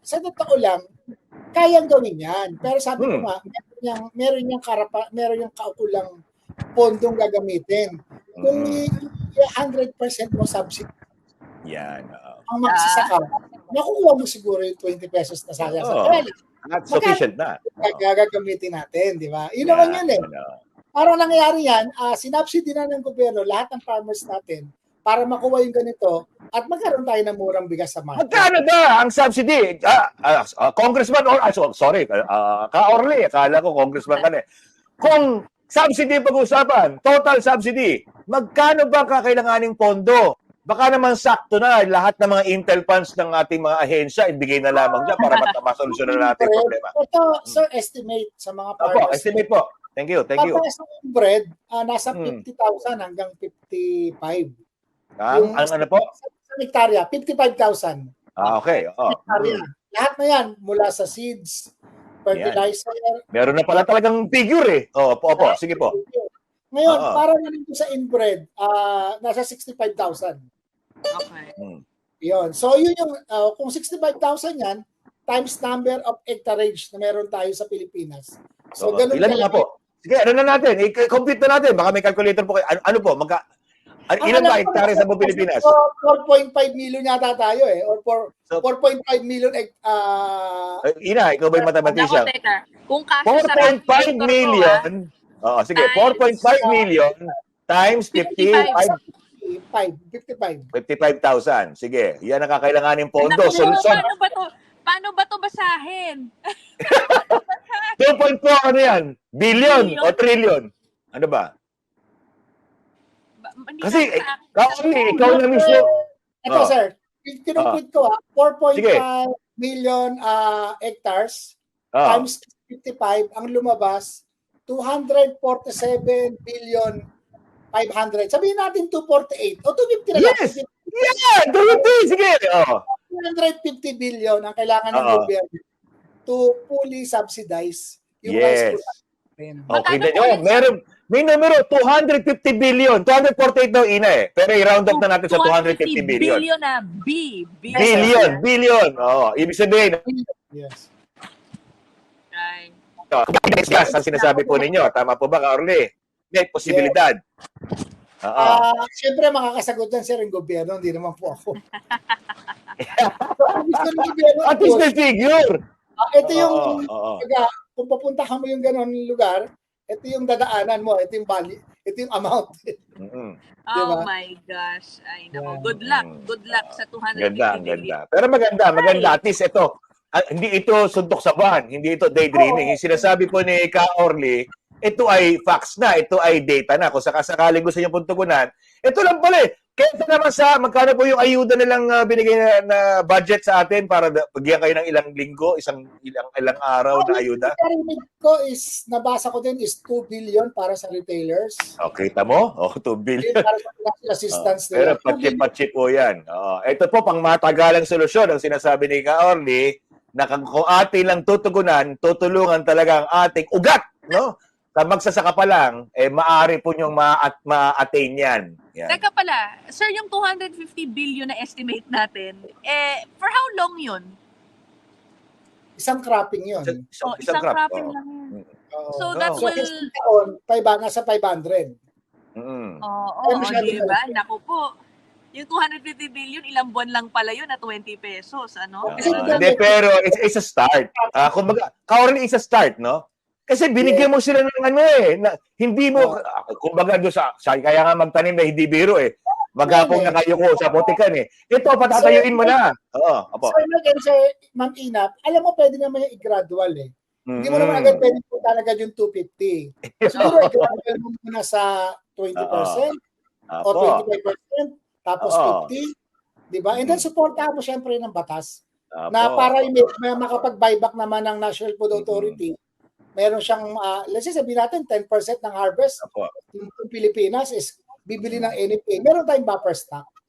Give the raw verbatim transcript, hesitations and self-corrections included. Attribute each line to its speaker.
Speaker 1: sa totoo lang, kayang gawin yan. Pero sabi ko
Speaker 2: Hmm.
Speaker 1: nga, meron niyang, meron niyang, karapa, meron niyang kaukulang pondong gagamitin. Kung
Speaker 2: Mm.
Speaker 1: one hundred percent mo subsidy,
Speaker 2: yan. Uh,
Speaker 1: ang magsasaka, nakukuha mo siguro yung twenty pesos na sayang sa
Speaker 2: oh,
Speaker 1: kaya.
Speaker 2: not sufficient na. Oh.
Speaker 1: Gagamitin natin, di ba? Yun
Speaker 2: Yeah,
Speaker 1: naman yun eh.
Speaker 2: no.
Speaker 1: Parang nangyayari yan, uh, sinubsidy na ng gobyerno lahat ng farmers natin para makuha yung ganito at magkaroon tayo ng murang bigas sa market.
Speaker 2: Magkano ba ang subsidy? Uh, uh, uh, congressman, or, uh, sorry, uh, Ka-Orly, akala ko congressman ka na. Kung subsidy pag-usapan, total subsidy, magkano ba kakailanganing pondo? Baka naman sakto na lahat ng mga intel funds ng ating mga ahensya, ibigay na lamang dyan para masolusyon na natin yung problema.
Speaker 1: Ito, sir, estimate sa mga farmers.
Speaker 2: Opo, estimate po. Thank you, thank you.
Speaker 1: Kapag sa bread, uh, nasa fifty thousand hanggang fifty-five.
Speaker 2: Ang, ang ano po?
Speaker 1: Sa, sa hektarya, fifty-five thousand.
Speaker 2: Ah, okay. Oh.
Speaker 1: Mm. Lahat na yan, mula sa seeds, fertilizer.
Speaker 2: Yan. Meron na pala talagang figure eh. Oh, opo, opo. Sige po.
Speaker 1: Ngayon, uh-huh. para naman sa inbred, uh, nasa sixty-five thousand.
Speaker 3: Okay.
Speaker 2: Hmm.
Speaker 1: Yun. So, yun yung, uh, kung sixty-five thousand yan, times number of hectarage na meron tayo sa Pilipinas. So,
Speaker 2: oh,
Speaker 1: ganun
Speaker 2: ilan nga po? Sige, ano na natin? I-compute na natin. Baka may calculator po kayo. Ano, ano po? Magka, ano, ilan ba hektare sa Pilipinas?
Speaker 1: four point five million yata tayo eh. Or four point five million uh,
Speaker 2: uh, Ina, ikaw ba yung mathematician?
Speaker 3: Ako, teka. Kung kasya
Speaker 2: four point five million, oo, sige, four point five million times fifty-five. fifty-five thousand. Sige, yan ang kakailanganin pondo. Solusyon.
Speaker 3: Paano ba to? Paano ba to basahin?
Speaker 2: two point four ano yan? Billion, Billion? O trillion? Ano ba?
Speaker 3: ba
Speaker 2: Kasi, Ka-Orly, ikaw na mismo.
Speaker 1: Ito, oh. sir. Kinumpit ko ah, four point five million uh, hectares oh. times fifty-five, ang lumabas, two hundred forty-seven billion five hundred. Sabihin natin two forty-eight o two fifty na lang.
Speaker 2: Yes! Yeah! two fifty! Sige! Oh.
Speaker 1: two hundred fifty billion ang kailangan ng
Speaker 2: uh-huh.
Speaker 1: gobyerno to fully subsidize yung
Speaker 2: yes.
Speaker 1: rice
Speaker 2: production. Okay, then, oh, meron, may numero, two hundred fifty billion. two hundred forty-eight daw, Ina eh. Pero i-round up na natin sa two hundred fifty billion.
Speaker 3: Billion na, B.
Speaker 2: Billion, billion. billion. Oh, ibig sabihin.
Speaker 1: Yes.
Speaker 3: Right.
Speaker 2: So, gas ang sinasabi po ninyo. Tama po ba, Ka-Orly? May posibilidad.
Speaker 1: Yes. Uh, uh, Siyempre, makakasagot dyan, sir, yung gobyerno. Hindi naman po ako.
Speaker 2: At least may figure.
Speaker 1: Uh, ito yung, oh, oh, oh. Pag, kung papuntahan mo yung gano'n lugar, ito yung dadaanan mo, ito yung value, ito yung amount.
Speaker 2: Mm-hmm.
Speaker 3: Diba? Oh my gosh. Ay, naku. Yeah. Good luck. Good luck sa two hundred fifty
Speaker 2: ganda, ganda. Pero maganda, maganda. At least ito, uh, hindi ito suntok sa buwan, hindi ito daydreaming. Oh. Yung sinasabi po ni Ka-Orly, ito ay facts na, ito ay data na. Kung sakasakaling gusto niyo pong tugunan, ito lang pala eh. Kaya naman sa, magkano po yung ayuda nilang uh, binigay na, na budget sa atin para bigyan kayo ng ilang linggo, isang ilang ilang araw na ayuda?
Speaker 1: Ang narinig ko is, nabasa ko din is two billion para sa retailers.
Speaker 2: Okay, tamo? Oh, two billion.
Speaker 1: Para sa financial assistance
Speaker 2: oh, pero patsi-patsi po yan. Oh, ito po, pang matagalang solusyon ang sinasabi ni Ka-Orly, na kung atin lang tutugunan, tutulungan talaga ang ating ugat, no? Sa magsasaka pa lang, eh, maaari po niyong ma-attain yan. yan.
Speaker 3: Teka pala, sir, yung two hundred fifty billion na estimate natin, eh, for how long yun?
Speaker 1: Isang cropping yun.
Speaker 3: Isang, oh, isang, isang crop, cropping oh. lang yun. Oh. So that
Speaker 1: oh.
Speaker 3: will...
Speaker 1: So, taon, five, nasa five hundred.
Speaker 2: Mm.
Speaker 3: Oo, oh, oh, diba? Naku po. Yung two hundred fifty billion, ilang buwan lang pala yun na twenty pesos, ano?
Speaker 2: Uh, uh, pero it's, it's a start. Uh, kumbaga, Ka-Orly is a start, no? Kasi binigyan mo sila ng ano eh, na, hindi mo, uh, kumbaga doon sa, sa, kaya nga magtanim na hindi biro eh. Maghapong na kayo ko sa putikan eh. Ito, patatayuin mo na. Oo, opo.
Speaker 1: So, again, so, Ma'am Inap, alam mo, pwede naman yung i-gradual eh. Mm-hmm. Hindi mo naman agad pwede po talaga yung two fifty. Siguro, i-gradual mo muna sa twenty percent uh, o twenty-five percent, tapos uh, fifty. Diba? And then, supportahan mo syempre ng batas uh, na para may, may makapag-buyback naman ng National Food Authority. Mm-hmm. Meron siyang, uh, let's say sabihin natin, ten percent ng harvest ng Pilipinas is bibili ng N F A. Meron tayong buffer stock.